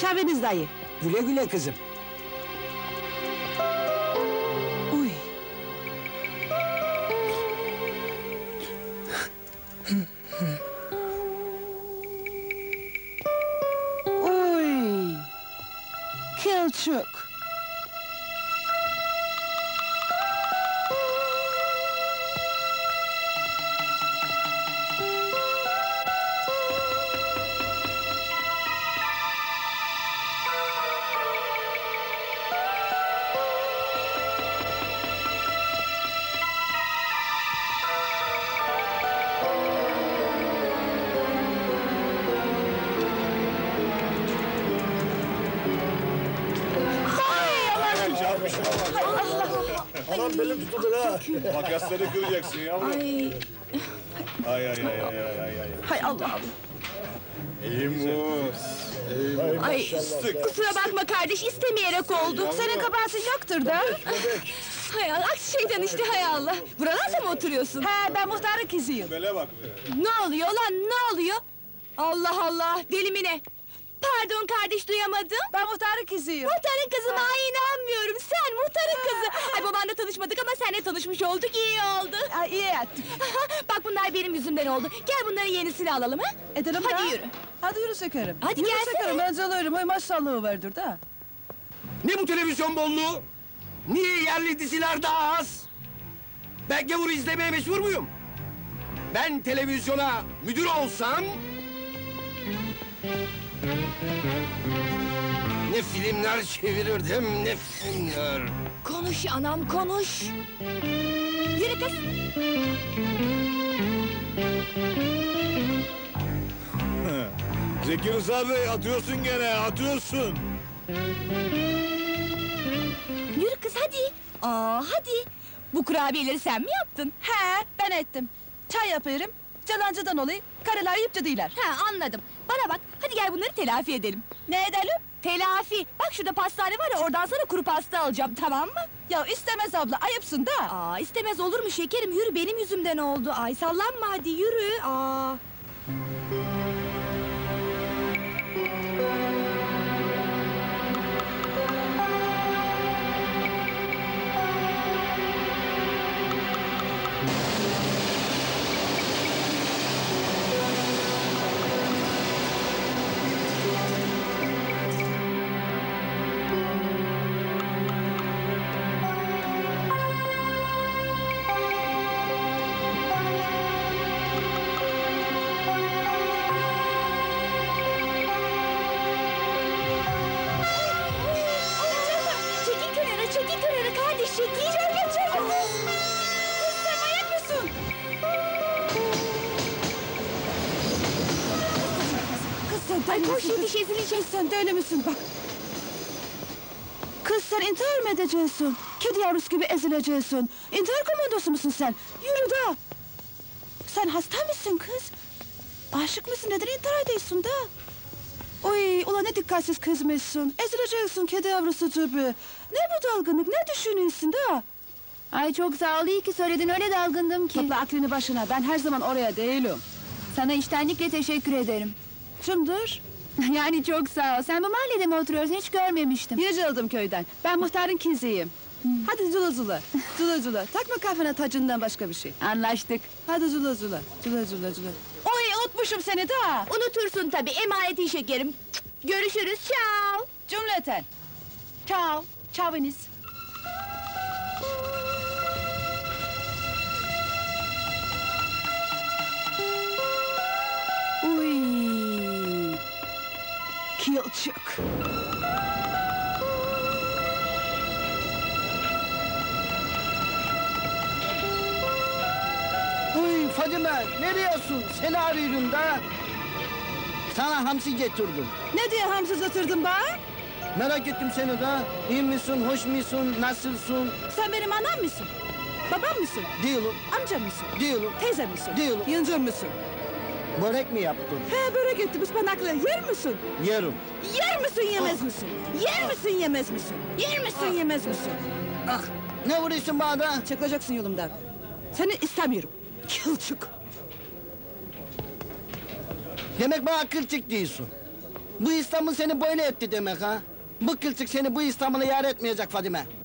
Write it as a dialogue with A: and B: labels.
A: Çaviniz dayı.
B: Güle güle kızım.
A: Uy. Uy. Kılçık.
C: Anam belim tutuldu ha.
D: Makasları kıracaksın yavrum. Ay ay ay ay ay ay ay.
E: Hay Allah'ım.
D: İmus.
E: Ay kusura bakma kardeş istemeyerek oldu.
A: Senin kabahatin yoktur da.
E: Hay Allah aksi şeyden işte hay Allah. Buralarda mı oturuyorsun?
A: He, ben muhtarın kızıyım.
D: Bele bak be.
E: Ne oluyor lan ne oluyor? Allah Allah deli mi ne? Pardon kardeş duyamadım.
A: Ben muhtarın kızıyım.
E: Muhtarın kızı mı? Ay inanmıyorum. Sen muhtarın kızı. Ay babanla tanışmadık ama seninle tanışmış olduk. İyi oldu.
A: Ay, iyi ettik.
E: Bak bunlar benim yüzümden oldu. Gel bunların yenisini alalım ha.
A: Edelim
E: Hadi
A: da.
E: yürü.
A: Hadi yürü Sökerim.
E: Hadi
A: yürü
E: gelsene.
A: Sökerim, ben alırım. Ay maşallahı vardır da.
C: Ne bu televizyon bolluğu? Niye yerli diziler daha az? Ben gavur izlemeye mecbur muyum? Ben televizyona müdür olsam... Ne filmler çevirirdim, ne filmler.
E: Konuş anam konuş. Yürü kız.
D: Zeki Rıza Bey atıyorsun gene atıyorsun.
E: Yürü kız hadi. Hadi. Bu kurabiyeleri sen mi yaptın?
A: He, ben ettim. Çay yapıyorum. Calancıdan olayım. Karılar yiyip değiller.
E: Ha anladım. Bana bak hadi gel bunları telafi edelim.
A: Ne edelim?
E: Telafi. Bak şurada pastane var ya oradan sana kuru pasta alacağım tamam mı?
A: Ya istemez abla, ayıpsın da.
E: İstemez olur mu şekerim? Yürü benim yüzümden oldu. Ay sallanma hadi yürü. Çekil kenara kardeş çekil. Çabuk. Kız sen manyak mısın?
A: Kız sen
E: Ay
A: deli
E: koş
A: misin?
E: yetiş ezileceğiz.
A: Kız sen deli misin bak. Kız sen intihar mı edeceksin? Kedi yavrusu gibi ezileceksin. İntihar komandosu musun sen? Yürü da. Sen hasta mısın kız? Aşık mısın? Neden intihar ediyorsun da? Oy, ulan ne dikkatsiz kızmışsın. Ezileceksin kedi yavrusu gibi. Ne bu dalgınlık? Ne düşünüyorsun da?
E: Ay çok sağ ol iyi ki söyledin öyle dalgındım ki.
A: Topla aklını başına. Ben her zaman oraya değilim.
E: Sana içtenlikle teşekkür ederim.
A: Kimdir?
E: Yani çok sağ ol. Sen bu mahallede mi oturuyorsun hiç görmemiştim.
A: Yıcıldım köyden. Ben muhtarın kızıyım. Hadi zula zula. Zula zula. Takma kafana tacından başka bir şey.
E: Anlaştık.
A: Hadi zula zula. Zula zula zula. Oy unutmuşum seni da.
E: Unutursun tabii emanetin şekerim. Görüşürüz ciao.
A: Cümleten. Ciao. Çaviniz. Uy. Kılçık.
B: Uy Fadime, nereye seni arıyorum da. Sana hamsi getirdim.
A: Ne diye hamsız oturdun bana?
B: Merak ettim seni de. İyi misin, hoş musun, nasılsın?
A: Sen benim anam mısın? Babam mısın?
B: Değilim,
A: Amcam mısın?
B: değilim.
A: Teyzem misin?
B: Değilim.
A: Yıncım mısın?
B: Börek mi yaptın?
A: He börek ettim ıspanaklı. Yer misin?
B: Yerim.
A: Yer misin yemez misin? Yer misin yemez misin? Yer misin yemez misin?
B: Ah, ne vuruyorsun bana da?
A: Çıkacaksın yolumdan. Seni istemiyorum. Kılçık.
B: Demek bana kılçık diyorsun. Bu İstanbul seni böyle etti demek ha? Bu kılçık seni bu İstanbul'a yar etmeyecek Fadime.